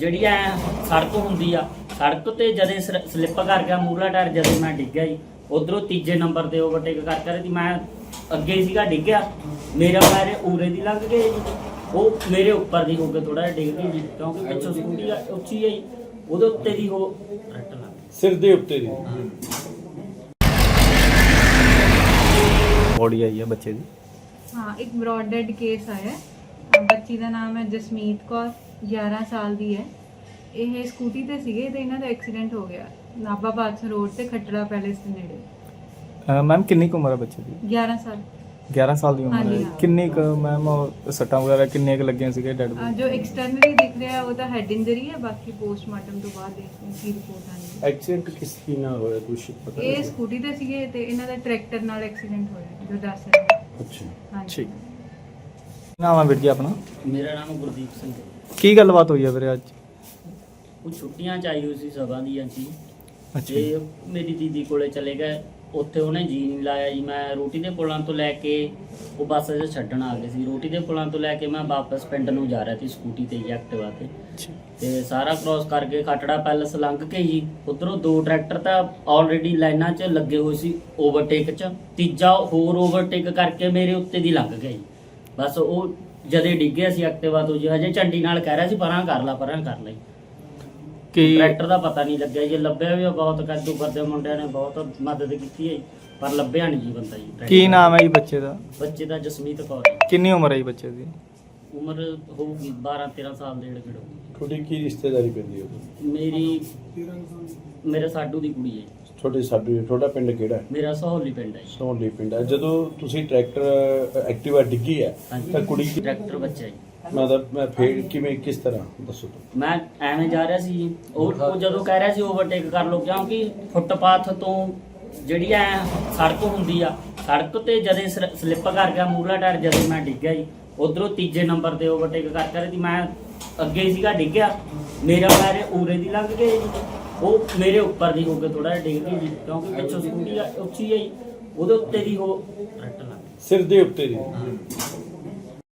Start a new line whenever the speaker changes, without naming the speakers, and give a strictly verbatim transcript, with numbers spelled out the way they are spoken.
ਜਿਹੜੀ ਐ ਸੜਕ ਹੁੰਦੀ ਆ, ਸੜਕ ਤੇ ਜਦੇ ਸਲਿੱਪ ਕਰ ਗਿਆ ਮੂਹਰਲਾ ਟਾਇਰ, ਜਦੋਂ ਮੈਂ ਡਿੱਗਿਆ ਜੀ ਉਧਰੋਂ ਤੀਜੇ ਨੰਬਰ ਤੇ ਓਵਰਟੇਕ ਕਰ ਕਰ ਮੈਂ ਅੱਗੇ ਸੀਗਾ ਡਿੱਗਿਆ, ਮੇਰਾ ਪੈਰ ਉਰੇ ਦੀ ਲੰਘ ਗਏ ਜੀ, ਉਹ ਮੇਰੇ ਉੱਪਰ ਦੀ ਹੋ ਕੇ ਥੋੜਾ ਜਿਹਾ ਡਿੱਗ ਗਈ ਜੀ, ਕਿਉਂਕਿ ਪਿੱਛੋਂ ਸਕੂਟੀ ਆ ਉੱਚੀ ਆਈ, ਉਹਦੇ ਉੱਤੇ ਦੀ ਉਹ ਰੱਟ ਲੱਗ ਗਈ
ਸਿਰ ਦੇ ਉੱਤੇ ਦੀ।
ਬੋਡੀ आई है बच्चे दी।
हाँ, एक ब्रॉड डेड केस आया है। ਬੱਚੀ ਦਾ ਨਾਮ ਹੈ ਜਸਮੀਤ ਕੌਰ, ਗਿਆਰਾਂ ਸਾਲ ਦੀ ਹੈ। ਇਹ ਸਕੂਟੀ ਤੇ ਸੀਗੇ ਤੇ ਇਹਨਾਂ ਦਾ ਐਕਸੀਡੈਂਟ ਹੋ ਗਿਆ ਨਾਭਾ ਬਾਦਸ਼ਾਹ ਰੋਡ ਤੇ ਖੱਟੜਾ ਪੈਲੇਸ ਦੇ ਨੇੜੇ।
मैम किन्नी क उम्र है बच्चे दी?
ਗਿਆਰਾਂ ਸਾਲ।
ग्यारह साल की उम्र
हाँ जी,
है।
हाँ।
किन्नी क मैम सट्टां वगैरह किन्ने क लगे ਸੀਗੇ डेड
ਅਹ ਜੋ ਐਕਸਟਰਨਲੀ ਦਿਖ ਰਿਹਾ ਉਹ ਤਾਂ ਹੈਡ ਇੰਜਰੀ ਹੈ, ਬਾਕੀ ਪੋਸਟਮਾਰਟਮ ਤੋਂ ਬਾਅਦ ਦੇਖਦੇ ਹਾਂ ਕੀ ਰਿਪੋਰਟ ਆਉਂਦੀ ਹੈ।
ਐਕਸੀਡੈਂਟ ਕਿਸ ਕੀ ਨਾਲ ਹੋਇਆ ਕੁਛ ਪਤਾ
ਇਹ ਸਕੂਟੀ ਤੇ ਸੀਗੇ ਤੇ ਇਹਨਾਂ ਦਾ ਟਰੈਕਟਰ ਨਾਲ ਐਕਸੀਡੈਂਟ ਹੋਇਆ ਜੋ ਦੱਸ ਰਹੇ
ਅੱਛਾ
ਹਾਂਜੀ।
ਠੀਕ ਨਾਮ ਹੈ ਵੀਰ ਜੀ ਆਪਣਾ?
ਮੇਰਾ ਨਾਮ ਗੁਰਦੀਪ ਸਿੰਘ।
ਕੀ ਗੱਲਬਾਤ ਹੋਈ ਹੈ ਵੀਰੇ ਅੱਜ?
ਉਹ ਛੁੱਟੀਆਂ ਚ ਆਈ ਹੋਈ ਸੀ ਸਭਾ ਦੀਆਂ ਜੀ,
ਅੱਛਾ
ਤੇ ਮੇਰੀ ਦੀਦੀ ਕੋਲੇ ਚਲੇ ਗਏ, ਉੱਥੇ ਉਹਨੇ ਜੀ ਨਹੀਂ ਲਾਇਆ ਜੀ। ਮੈਂ ਰੋਟੀ ਦੇ ਪੁਲਾਂ ਤੋਂ ਲੈ ਕੇ ਉਹ ਬੱਸ 'ਚ ਛੱਡਣ ਆ ਗਏ ਸੀ, ਰੋਟੀ ਦੇ ਪੁਲਾਂ ਤੋਂ ਲੈ ਕੇ ਮੈਂ ਵਾਪਸ ਪਿੰਡ ਨੂੰ ਜਾ ਰਿਹਾ ਸੀ ਸਕੂਟੀ ਤੇ ਜੀ, ਐਕਟਿਵਾ ਤੇ। ਤੇ ਸਾਰਾ ਕ੍ਰੋਸ ਕਰਕੇ ਖਟੜਾ ਪੈਲਸ ਲੰਘ ਕੇ ਜੀ ਉਧਰੋਂ ਦੋ ਟਰੈਕਟਰ ਤਾਂ ਆਲਰੇਡੀ ਲਾਈਨਾਂ 'ਚ ਲੱਗੇ ਹੋਏ ਸੀ ਓਵਰਟੇਕ 'ਚ, ਤੀਜਾ ਹੋਰ ਓਵਰਟੇਕ ਕਰਕੇ ਮੇਰੇ ਉੱਤੇ ਦੀ ਲੰਘ ਗਿਆ ਜੀ। ਬਸ ਉਹ ਜਦੇ ਡਿੱਗਿਆ ਸੀ ਐਕਟਿਵਾ ਤੋਂ ਜੀ, ਹਜੇ ਝੰਡੀ ਨਾਲ ਕਹਿ ਰਿਹਾ ਸੀ ਪਰਾਂ ਕਰ ਲਾ ਪਰਾਂ ਕਰ ਲਈ।
ਕੀ
ਟਰੈਕਟਰ ਦਾ ਪਤਾ ਨਹੀਂ ਲੱਗਿਆ ਜੀ, ਲੱਭਿਆ ਵੀ ਬਹੁਤ ਕੱਦੂ ਕਰਦੇ ਮੁੰਡਿਆਂ ਨੇ ਬਹੁਤ ਮਦਦ ਕੀਤੀ ਹੈ ਜੀ, ਪਰ ਲੱਭਿਆ ਨਹੀਂ ਜੀ ਬੰਦਾ ਜੀ।
ਕੀ ਨਾਮ ਹੈ ਜੀ ਬੱਚੇ ਦਾ?
ਬੱਚੇ ਦਾ ਜਸਮੀਤ ਕੌਰ ਜੀ।
ਕਿੰਨੀ ਉਮਰ ਹੈ ਜੀ ਬੱਚੇ ਦੀ?
ਉਮਰ ਹੋਊਗੀ ਬਾਰਾਂ ਤੇਰਾਂ ਸਾਲ ਦੇ ਨੇੜੇ ਨੇੜੇ ਹੋਊਗੀ।
ਤੁਹਾਡੀ ਕੀ ਰਿਸ਼ਤੇਦਾਰੀ ਪੈਂਦੀ ਹੈ ਉਹਦੀ?
ਮੇਰੀ ਮੇਰੇ ਸਾਡੂ ਦੀ ਕੁੜੀ ਹੈ ਜੀ।
ਤੁਹਾਡੇ ਸਾਡੀ ਤੁਹਾਡਾ ਪਿੰਡ ਕਿਹੜਾ ਹੈ?
ਮੇਰਾ ਸਹੌਲੀ ਪਿੰਡ ਹੈ ਜੀ।
ਸੋਹਲੀ ਪਿੰਡ ਹੈ। ਜਦੋਂ ਤੁਸੀਂ ਟਰੈਕਟਰ ਐਕਟਿਵਾ ਡਿੱਗੀ ਹੈ
ਹਾਂਜੀ।
ਤਾਂ ਕੁੜੀ ਕੀ
ਟਰੈਕਟਰ ਬੱਚਾ ਜੀ।
ਮਤਲਬ ਮੈਂ ਫੇਰ ਕਿਵੇਂ ਕਿਸ ਤਰ੍ਹਾਂ ਦੱਸੋ ਤੁਸੀਂ?
ਮੈਂ ਐਵੇਂ ਜਾ ਰਿਹਾ ਸੀ ਜੀ, ਉਹ ਉਹ ਜਦੋਂ ਕਹਿ ਰਿਹਾ ਸੀ ਓਵਰਟੇਕ ਕਰ ਲਓ, ਕਿਉਂਕਿ ਫੁੱਟਪਾਥ ਤੋਂ ਜਿਹੜੀ ਐ ਸੜਕ ਹੁੰਦੀ ਆ, ਸੜਕ ਤੇ ਜਦੇ ਸਲਿੱਪ ਕਰ ਗਿਆ ਮੂਹਰਲਾ ਟਾਇਰ, ਜਦੋਂ ਮੈਂ ਡਿੱਗਿਆ ਜੀ ਉਧਰੋਂ ਤੀਜੇ ਨੰਬਰ ਤੇ ਓਵਰਟੇਕ ਕਰ ਕਰ ਮੈਂ ਅੱਗੇ ਸੀਗਾ ਡਿੱਗਿਆ, ਮੇਰਾ ਪੈਰ ਉਰੇ ਦੀ ਲੰਘ ਗਏ ਜੀ, ਉਹ ਮੇਰੇ ਉੱਪਰ ਦੀ ਹੋ ਕੇ ਥੋੜਾ ਜਿਹਾ ਡਿੱਗ ਗਈ ਜੀ, ਕਿਉਂਕਿ ਪਿੱਛੋਂ ਸਕੂਟੀ ਆ ਉੱਚੀ ਆਈ, ਉਹਦੇ ਉੱਤੇ ਦੀ ਉਹ ਰੱਟ ਲੱਗ ਗਈ
ਸਿਰ ਦੇ ਉੱਤੇ ਦੀ।